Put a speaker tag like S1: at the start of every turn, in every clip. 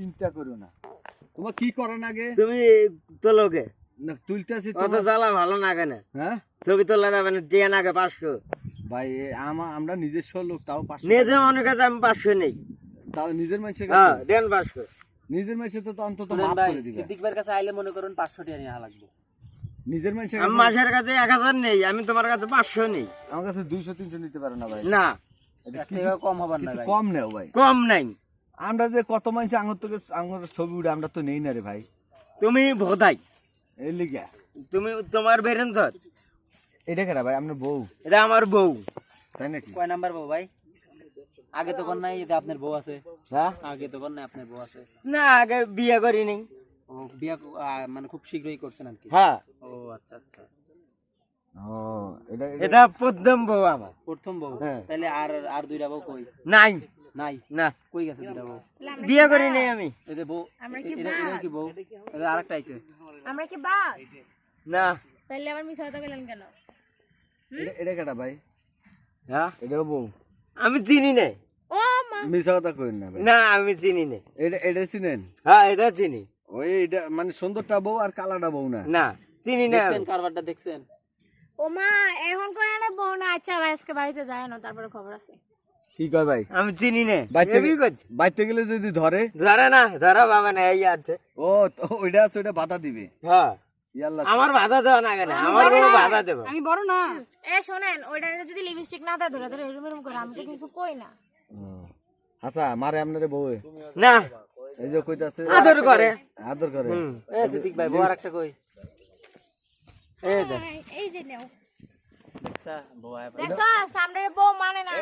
S1: চিন্তা করো না। তোমার কি করার আগে
S2: তুমি তোলোকে
S1: না তুলতেছি
S2: কত জ্বালা ভালো না কেন?
S1: হ্যাঁ
S2: ছবি তোলা যাবে না, দিয়ে নাকে 500।
S1: ভাই আমরা নিজস্ব লোক, তাও 500
S2: নিজে মনে কাছে আমি 500 নেই।
S1: তাও নিজের মানুষের
S2: হ্যাঁ
S1: কাছে
S2: দেন 500।
S1: নিজের মানুষের তো অন্তত
S3: শুনেন
S1: মাফ
S3: ভাই,
S1: করে দিবে।
S3: সিদ্দিক ভাইয়ের কাছে আইলে মনে করুন 500 টাকা নিয়ে লাগবে।
S1: নিজের মানুষের
S2: আমি
S1: কাছে
S2: মাসের কাছে 1000 নেই, আমি তোমার কাছে 500 নেই।
S1: আমার কাছে 200-300 নিতে পারো না ভাই।
S2: না
S1: এটা
S3: এক টাকা কম হবার না
S1: কিছু
S3: ভাই।
S1: কম নেও ভাই।
S2: কম নাই।
S1: আমরা যে কত মানুষ আঙুর থেকে আঙুর ছবি উঠে আমরা তো নেই না রে ভাই।
S2: তুমি ভোদাই,
S1: এই লিগা
S2: তুমি তোমার বেরেন ধর।
S1: এটা কেনা ভাই আপনার বউ
S2: এটা আমার বউ।
S1: তাই নাকি?
S3: কয় নাম্বার বউ ভাই? আগে তো কোন নাই, এটা আপনার বউ আছে।
S2: হ্যাঁ
S3: আগে তো কোন নাই, আপনার বউ আছে।
S2: না, আগে বিয়ে করি নাই।
S3: ও বিয়া মানে খুব শীঘ্রই করছেন আর কি।
S2: হ্যাঁ
S3: ও আচ্ছা আচ্ছা,
S1: ও এটা
S2: এটা প্রথম বউ আমার।
S3: প্রথম বউ।
S2: হ্যাঁ।
S3: তাহলে আর আর দুইটা বউ কই?
S2: নাই
S3: নাই।
S2: না,
S3: কই গেছে দুইটা বউ?
S2: বিয়ে করি নাই আমি।
S3: এই যে বউ, এটা কি বউ? এটা আরেকটা আইছে।
S4: আমরা কি বাদ?
S2: না।
S4: তাহলে আবার মিছা কথা বললেন কেন?
S1: এটা কেটা ভাই?
S2: হ্যাঁ
S1: এটাও বউ?
S2: আমি চিনি না।
S4: ও মা,
S1: মিশা কথা কইন না ভাই।
S2: না আমি চিনি না।
S1: এটা চিনেন?
S2: হ্যাঁ এটা চিনি।
S1: ওই এটা মানে সুন্দরটা বউ আর কালাটা বউ না?
S2: না চিনি না।
S3: দেখছেন কারবারটা দেখছেন?
S4: ও মা, এখন কই আনে বউ না। আচ্ছা ভাই আজকে বাড়িতে যায় না, তারপরে খবর আছে।
S1: কি কয় ভাই?
S2: আমি চিনি না।
S1: বাইতে
S2: এবি করছি।
S1: বাইতে গেলে যদি ধরে?
S2: ধরে না, ধরা বাবা না, এই আছে।
S1: ও তো ওইটা আছে, ওইটা বাধা দিবে।
S2: হ্যাঁ
S1: ইয়াল্লা
S2: আমার বাধা দেওয়া না কেন? আমার বউ বাধা দেব।
S4: আমি বড় না। এ শোনেন, ওইটা যদি লিপস্টিক না দেয় ধরে ধরে এরম এরম করে, আমি তো কিছু কই না।
S1: হাসা মারে আপনারে বউ?
S2: না
S1: এই যে কইতাছে
S2: আদর করে।
S1: আদর করে।
S3: এ সিদ্দিক ভাই, বউ আরেকটা কই?
S2: এই দেখ
S4: এই যে নাও,
S3: দেখছা বউ আয়।
S4: দেখছো সামনে বউ মানে না।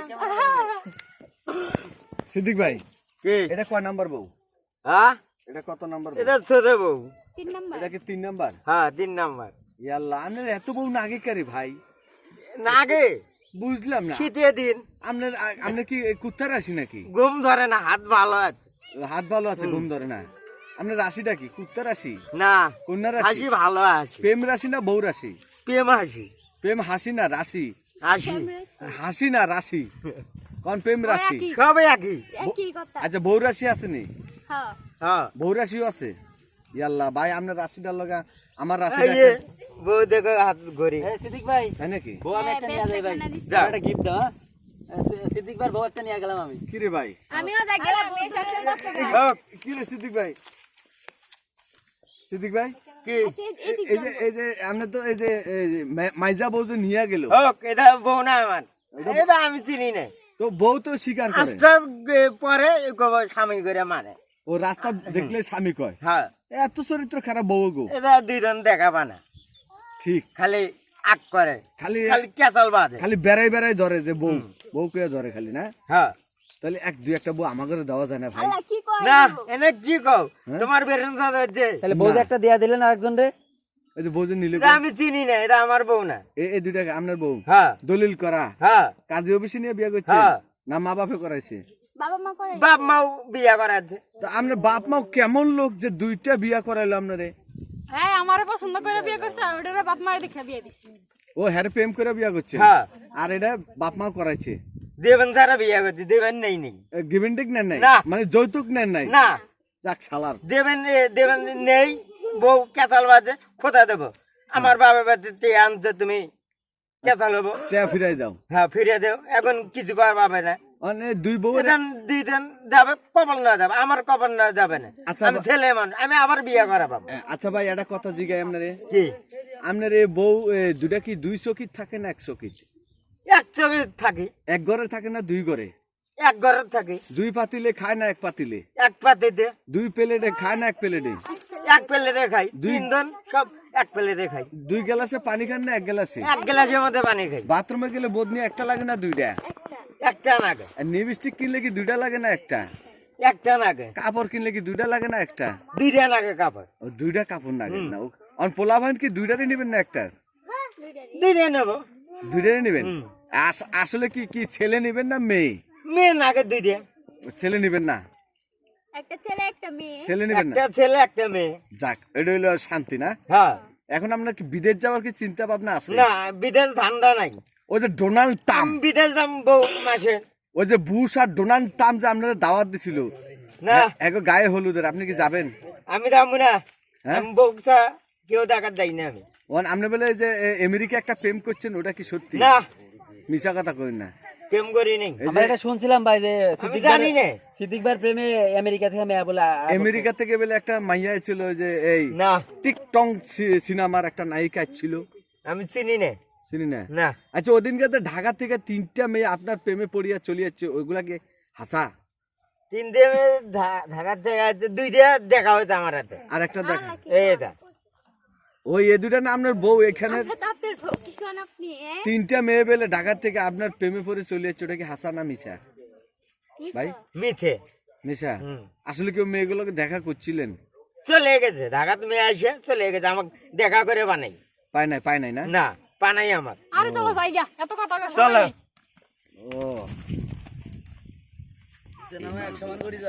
S1: সিদ্দিক ভাই
S2: কি?
S1: এটা কয় নাম্বার বউ?
S2: হ্যাঁ
S1: এটা কত নাম্বার বউ?
S2: এটা ছোট বউ।
S4: 3 নাম্বার।
S1: এটা কি 3 নাম্বার?
S2: হ্যাঁ 3 নাম্বার।
S1: ইয়াল্লা আপনার এত বউ নাগে কারে ভাই?
S2: নাগে
S1: বুঝলাম না।
S2: শীতের দিন
S1: আপনার কি কুত্তা রাশি নাকি?
S2: ঘুম ধরে না, হাত ভালো আছে।
S1: হাত ভালো আছে, ঘুম ধরে না? আপনার রাশিটা কি কুত্তা রাশি?
S2: না
S1: কন্যা রাশি?
S2: হাসি ভালো আছে।
S1: প্রেম রাশি না বউ রাশি?
S2: প্রেম হাসি।
S1: প্রেম হাসি না রাশি?
S2: হাসি
S1: হাসি না রাশি? কোন প্রেম রাশি?
S2: সবাই একই।
S4: কি কথা?
S1: আচ্ছা বউ রাশি আছে নি?
S4: হ্যাঁ।
S2: হ্যাঁ
S1: বউ রাশিও আছে? ইয়াল্লা ভাই আপনার রাশিটার লগা আমার
S2: এই
S1: রাশিটা
S2: যে বউ দেখো হাত ঘড়ি।
S3: এ সিদ্দিক ভাই,
S1: তাই নাকি?
S3: বউ আমি একটা নিয়ে যাই ভাই।
S2: যাও।
S3: একটা গিফট দাও। সিদ্দিক ভাই বউ একটা নিয়ে গেলাম আমি।
S1: কি রে ভাই?
S4: আমিও যাই গেলাম, এই সবসময় করতে গেলাম।
S2: হোক,
S1: কি রে সিদ্দিক ভাই? সিদ্দিক ভাই
S2: কি
S1: এই যে আপনি তো এই যে মাইজা বউ যে নিয়ে গেল,
S2: হোক, এটা বউ না আমার। এটা আমি চিনি না।
S1: তো বউ তো স্বীকার করে।
S2: আস্তে পরে স্বামী করে মানে।
S1: ও রাস্তা দেখলে স্বামী কয়।
S2: হ্যাঁ
S1: এত চরিত্র খারাপ বউ গো।
S2: এটা দুইজন দেখাবা না,
S1: ঠিক
S2: খালি আগ করে,
S1: খালি
S2: খালি কেচাল বাজে।
S1: খালি বেড়াই বেড়াই ধরে যে বউ বউ কে ধরে খালি না?
S2: হ্যাঁ
S1: তাহলে এক দুই একটা বউ আমাকে দেওয়া যায় না ভাই?
S4: আল্লাহ কি কয়?
S2: না এনে কি কও? তোমার বেরেন সাজাচ্ছে।
S3: তাহলে বউ যে একটা দিয়া দিলেন আরেকজন রে।
S1: এই যে বউ যে নিলে
S2: এটা আমি চিনি না, এটা আমার বউ না।
S1: এই দুইটা আপনার বউ?
S2: হ্যাঁ
S1: দলিল করা?
S2: হ্যাঁ
S1: কাজী অফিসে নিয়ে বিয়ে করছে
S2: হ্যাঁ।
S1: না মা বাপে করাইছে?
S4: বাবা মা করে।
S2: বাপ মাও বিয়া করাচ্ছে।
S1: তো আপনার বাপ মাও কেমন লোক যে দুইটা বিয়া করাইলো আপনারে?
S4: হ্যাঁ, আমারে পছন্দ করে বিয়ে করছে আর ওটারে বাপ মায়ে দেখে বিয়ে দিছে।
S1: ও হ্যার প্রেম করে বিয়া করছে?
S2: হ্যাঁ
S1: আর এটা বাপ মা করাইছে?
S2: দেবেন সারা বিয়া করছে, দেবেন নেই নেই।
S1: গিভেন টেক নেন নাই?
S2: না।
S1: মানে যৌতুক নেন নাই?
S2: না
S1: যাক শালার।
S2: দেবেন দেবেন নেই, বউ কেচাল বাজে, খোঁজা দেবো। আমার বাবা বাড়িতে আনছে, তুমি কেচাল হবো।
S1: টেয়া ফিরাই দাও।
S2: হ্যাঁ ফিরে দেও, এখন কিছু করা পাবে না।
S1: মানে দুই বউ
S2: দুইজন যাবে, কপাল না যাবে, আমার কপাল না যাবে না।
S1: আচ্ছা,
S2: আমি ছেলে মানুষ, আমি আবার বিয়ে করা পাবো।
S1: আচ্ছা ভাই একটা কথা জিগাই আপনারে,
S2: কি
S1: আপনার এই বউ দুটা কি দুই চকিত থাকে না এক চকিত?
S2: এক চোখে থাকি,
S1: এক ঘরে থাকে না দুই ঘরে?
S2: এক ঘরে থাকি।
S1: দুই পাতিলে খায় না এক পাতিলে?
S2: এক পাতিতে
S1: দুই প্লেটে খায় না এক প্লেটে?
S2: এক প্লেটে খাই, তিনজন সব এক প্লেটে খাই।
S1: দুই গ্লাসে পানি খান না এক গ্লাসে?
S2: এক গ্লাসের মধ্যে পানি খাই।
S1: বাথরুমে গেলে বদনি একটা লাগে না দুইটা?
S2: একটা নাগে,
S1: আর লিপস্টিক কিনলে কি দুইটা লাগে না একটা?
S2: একটা নাগে,
S1: কাপড় কিনলে কি দুইটা লাগে না একটা?
S2: দুইটা নাগে কাপড়।
S1: ও দুইটা কাপড় লাগে না? অন পোলা ভাইন কি দুইটারই নেবেন না একটা?
S2: দুইটা নেবো।
S1: দুইটারই নেবেন? আসলে কি কি ছেলে নেবেন না মেয়ে?
S2: মেয়ে নাগে দুইটা।
S1: ছেলে নেবেন না?
S4: একটা ছেলে একটা মেয়ে।
S1: ছেলে নেবেন না?
S2: একটা ছেলে একটা মেয়ে।
S1: যাক এটা হইলো শান্তি না?
S2: হ্যাঁ
S1: এখন আপনার কি বিদেশ যাওয়ার কি চিন্তা ভাবনা আছে?
S2: না, বিদেশ ধান্দা নাই।
S1: ওই যে ডোনাল্ড ট্রাম্প,
S2: আমি বিদেশ যাম বউ মাসে।
S1: ওই যে বুশ আর ডোনাল্ড ট্রাম্প যে আপনাদের দাওয়াত দিছিল,
S2: না
S1: এক গায়ে হলুদের আপনি কি যাবেন?
S2: আমি যাবো না,
S1: হ্যাঁ?
S2: আমি বউছা কেউ দেখার যাই না আমি।
S1: ওন আপনি বলে যে আমেরিকা একটা প্রেম করছেন, ওটা কি সত্যি?
S2: না
S1: মিছা কথা কই না।
S2: প্রেম করি নাই,
S1: এই
S3: আমরা
S1: যে
S3: এটা শুনছিলাম ভাই যে
S2: আমি জানি না।
S3: সিদ্দিক ভাইয়ের প্রেমে আমেরিকা থেকে মেয়ে বলে
S1: আমেরিকা থেকে বলে একটা মাইয়া ছিল, যে এই
S2: না
S1: টিকটং সিনেমার একটা নায়িকা ছিল,
S2: আমি চিনি না।
S1: চিনি না?
S2: না
S1: আচ্ছা, ওদিনকে তো ঢাকা থেকে 3টা মেয়ে আপনার প্রেমে পড়িয়া চলে যাচ্ছে, ওইগুলাকে হাসা?
S2: 3 দিয়ে ঢাকার থেকে 2 দিয়ে দেখা হয়েছে আমার হাতে।
S1: আর একটা দেখ,
S2: এইটা
S1: ওই এ দুটা না আপনার বউ, এখানে
S4: আপনার বউ কি কোন আপনি
S1: 3টা মেয়ে বেলে ঢাকা থেকে আপনার প্রেমে পড়ে চলে যাচ্ছে, ওটা কি হাসা না মিছা ভাই?
S2: মিথ্যে।
S1: মিছা?
S2: হুম।
S1: আসলে কেউ মেয়েগুলোকে দেখা করছিলেন?
S2: চলে গেছে ঢাকা, তুমি আসে চলে গেছে, আমাকে দেখা করে বানাই।
S1: পায় নাই না?
S2: না পানাই আমার।
S4: আরে চলো যাই গা, এত কথা কয়
S2: চলো।
S4: সময় নেই।
S1: ও